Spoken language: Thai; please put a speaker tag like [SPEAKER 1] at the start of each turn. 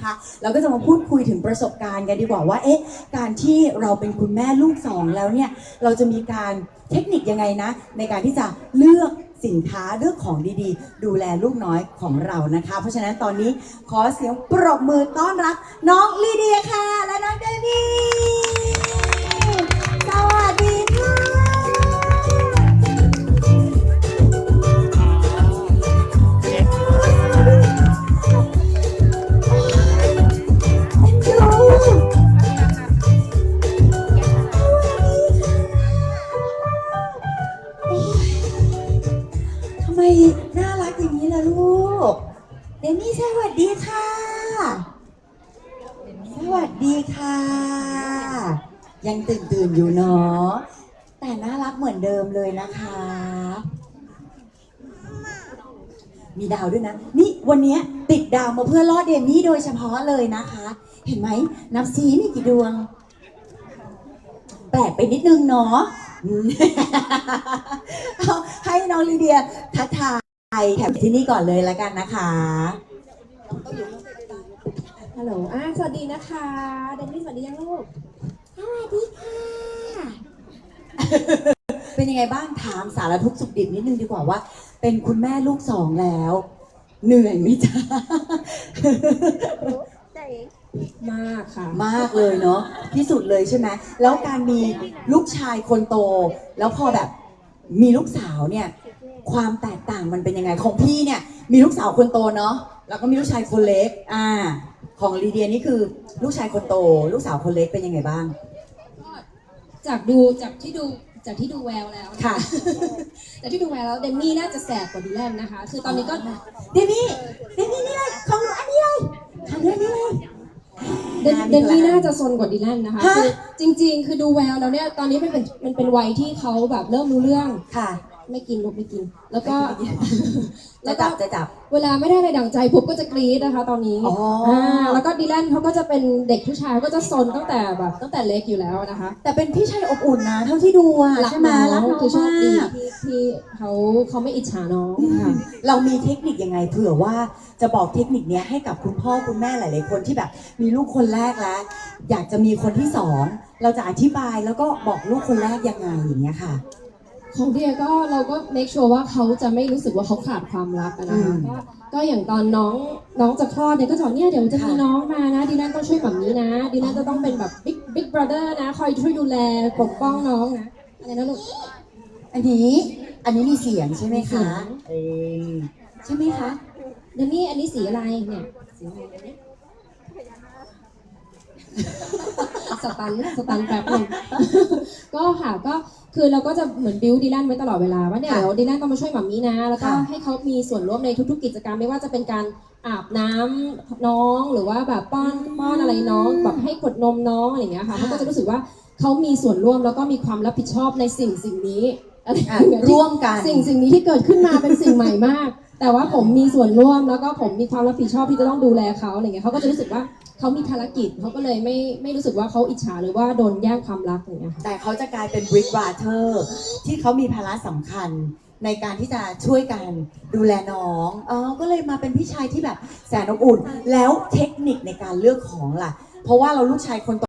[SPEAKER 1] นะคะเราก็จะมาพูดคุยถึงประสบการณ์กันดีกว่าว่าการที่เราเป็นคุณแม่ลูกสองแล้วเนี่ยเราจะมีการเทคนิคยังไงนะในการที่จะเลือกสินค้าเลือกของดีๆดูแลลูกน้อยของเรานะคะเพราะฉะนั้นตอนนี้ขอเสียงปรบมือต้อนรับน้องลีเดียค่ะและน้องเดมี่สวัสดีค่ะทำไมน่ารักอย่างนี้ล่ะลูกเดมี่สวัสดีค่ะสวัสดีค่ะยังตื่นอยู่เนาะแต่น่ารักเหมือนเดิมเลยนะคะมีดาวด้วยนะนี่วันนี้ติดดาวมาเพื่อล่อเดมี่โดยเฉพาะเลยนะคะเห็นไหมนับซีมีกี่ดวงแปลกไปนิดนึงเนาะให้น้องลีเดียทักทายแถบที่นี่ก่อนเลยละกันนะคะ
[SPEAKER 2] ฮัลโหลสวัสดีนะคะเดนนี่สวัสดียังลูก
[SPEAKER 1] สวัสดีค่ะเป็นยังไงบ้างถามสารทุกข์สุขดิบนิดนึงดีกว่าว่าเป็นคุณแม่ลูกสองแล้วเหนื่อยไหมจ๊ะ
[SPEAKER 2] มากค่ะ
[SPEAKER 1] มากเลยเนาะที่สุดเลยใช่ไหมแล้วการมีลูกชายคนโตแล้วพอแบบมีลูกสาวเนี่ยความแตกต่างมันเป็นยังไงของพี่เนี่ยมีลูกสาวคนโตเนาะแล้วก็มีลูกชายคนเล็กของลีเดียนี่คือลูกชายคนโตลูกสาวคนเล็กเป็นยังไงบ้าง
[SPEAKER 2] จากที่ดูแววแล้ว
[SPEAKER 1] ค่ะ
[SPEAKER 2] จากที่ดูแววแล้วเดมี่น่าจะแสบกว่าดิแลนนะคะคือตอนนี้ก็
[SPEAKER 1] เดมี่นี่เลยของอันนี้เลยของเรื่องนี้เลย
[SPEAKER 2] เดมี่น่าจะซนกว่าดิแลนนะคะคือจริงๆคือดูแววแล้วเนี่ยตอนนี้มันเป็นวัยที่เขาแบบเริ่มรู้เรื่อง
[SPEAKER 1] ค่ะ
[SPEAKER 2] ไม่กินลูกไม่กินแล้วก็
[SPEAKER 1] จะจับ
[SPEAKER 2] เวลาไม่ได้อะไรดั่งใจปุ๊บก็จะกรี๊ดนะคะตอนนี้แล้วก็ดิแลนเขาก็จะเป็นเด็กผู้ชายก็จะซนตั้งแต่เล็กอยู่แล้วนะคะ
[SPEAKER 1] แต่เป็นพี่ชายอบอุ่นนะเท่าที่ดูใช่ไหมรักน้อง
[SPEAKER 2] คือโชคดีที่เขาไม่อิจฉาน้องค่ะ
[SPEAKER 1] เรามีเทคนิคยังไงเผื่อว่าจะบอกเทคนิคนี้ให้กับคุณพ่อคุณแม่หลายๆคนที่แบบมีลูกคนแรกแล้วอยากจะมีคนที่สองเราจะอธิบายแล้วก็บอกลูกคนแรกยังไงอย่างเงี้ยค่ะ
[SPEAKER 2] ของเดียก็เราก็ make sure ว่าเขาจะไม่รู้สึกว่าเขาขาดความรักนะคะก็อย่างตอนน้องจะคลอดเนี่ยก็จะบอกเนี่ยเดี๋ยวจะมีน้องมานะดีแลนต้องช่วยแบบนี้นะดีแลนจะต้องเป็นแบบ big brother นะคอยช่วยดูแลปกป้องน้องนะอะไรนะลูก
[SPEAKER 1] อันนี้มีเสียงใช่ไหมคะใช่ไหมคะ
[SPEAKER 2] เดี๋ยวนี้อันนี้สีอะไรเนี่ยสีอะไรเนี่ยสตันแป๊บนึงก็ค่ะก็คือเราก็จะเหมือนบิวดีแลนไว้ตลอดเวลาว่าเนี่ยเดี๋ยวดีแลนต้องมาช่วยหม่ามีนะแล้วก็ให้เขามีส่วนร่วมในทุกๆกิจกรรมไม่ว่าจะเป็นการอาบน้ำน้องหรือว่าแบบป้อนอะไรน้องแบบให้กดนมน้องอะไรอย่างเงี้ยค่ะเขาก็จะรู้สึกว่าเขามีส่วนร่วมแล้วก็มีความรับผิดชอบในสิ่งนี้
[SPEAKER 1] ร่วมกัน
[SPEAKER 2] สิ่งนี้ที่เกิดขึ้นมาเป็นสิ่งใหม่มากแต่ว่าผมมีส่วนร่วมแล้วก็ผมมีความรับผิดชอบที่จะต้องดูแลเขาอะไรเงี้ยเขาก็จะรู้สึกว่าเขามีภารกิจเขาก็เลยไม่รู้สึกว่าเขาอิจฉาหรือว่าโดนแย่งความรักอย่างเงี้ย
[SPEAKER 1] แต่เขาจะกลายเป็น Big Brother ที่เขามีภาระสำคัญในการที่จะช่วยกันดูแลน้องก็เลยมาเป็นพี่ชายที่แบบแสนอบอุ่นแล้วเทคนิคในการเลือกของล่ะเพราะว่าเราลูกชายคน